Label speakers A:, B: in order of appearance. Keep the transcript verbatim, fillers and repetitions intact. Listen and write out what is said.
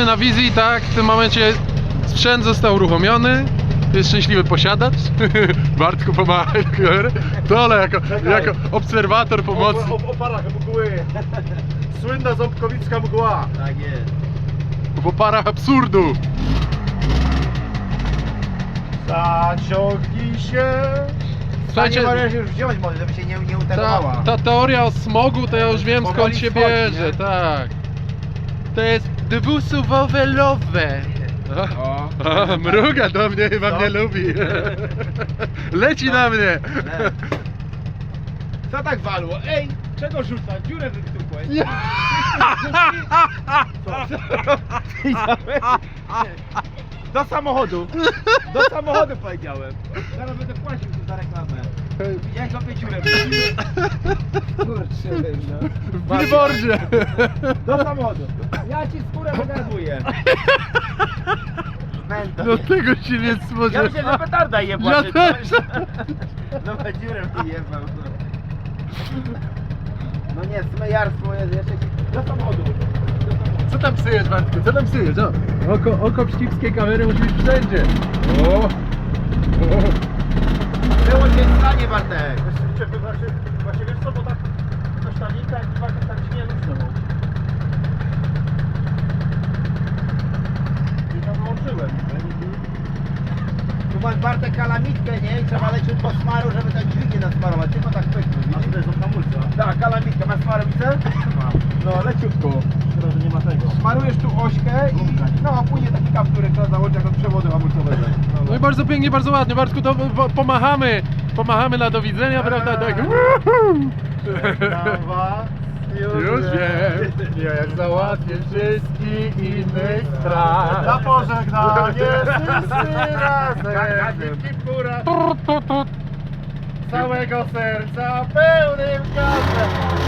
A: Jesteśmy na wizji, tak? W tym momencie sprzęt został uruchomiony. Jest szczęśliwy posiadacz. Bartku pomaga. Dole jako, jako obserwator pomocy.
B: O, o, oparach mgły. Słynna ząbkowicka mgła.
C: Tak jest.
A: W oparach absurdu.
B: Zaciągnij się.
A: Słuchajcie,
C: Panie możesz już wziąć, może żeby się nie, nie
A: ta,
C: utarowała.
A: ta teoria o smogu to ja już wiem skąd
C: Powoli
A: się
C: schodzi,
A: bierze,
C: nie?
A: tak. To jest dwusuwowe-lowe.
C: O.
A: A, mruga do mnie, chyba
C: Co?
A: mnie lubi. Leci na mnie.
C: Co tak walło? Ej, czego rzuca? Dziurę wyktukłeś. Do samochodu. Do samochodu powiedziałem. Zaraz będę płacił tu za reklamę. Jak złapię dziurę? Kurczę, no.
A: W billboardzie.
C: Do samochodu. Ja ci skórę wygazuję.
A: No tego się nie
C: Ja
A: spodziewałem.
C: myślę, że petarda jebła.
A: Ja
C: czy
A: też.
C: coś. No bo dziurę wyjebał. No nie, smejarstwo jest jeszcze. Do samochodu.
A: Co tam psujesz, Bartku? Co tam psujesz? O, oko, oko pszkipskiej kamery musi być wszędzie. O. O.
C: Było cię w stanie, Bartek.
B: Właśnie, właśnie, właśnie wiesz co, bo tak ta sztanika i dwa tak ci nie luźno. I ja wyłączyłem.
C: Tu masz, Bartek, kalamitkę, nie? I trzeba leciutko smaru, żeby tak dźwignię nasmarować. Tylko tak pyknął,
B: A
C: widzisz?
B: to jest od hamulca.
C: Tak, kalamitkę. Masz smarowicę?
B: Mam.
C: No, leciutko.
B: Szkoda, że nie ma tego.
C: Smarujesz tu ośkę i no, a później taki kapturek trzeba założyć jak od przewodu hamulcowego.
A: No i bardzo pięknie, bardzo ładnie. Bartku, to po- pomachamy. Pomachamy na do widzenia, prawda? Tak.
B: Żegnam was.
A: Już wiem, jak załatwię wszystkich innych spraw.
B: Na pożegnanie wszyscy razem.
C: Kura.
B: Całego serca pełnym gazem.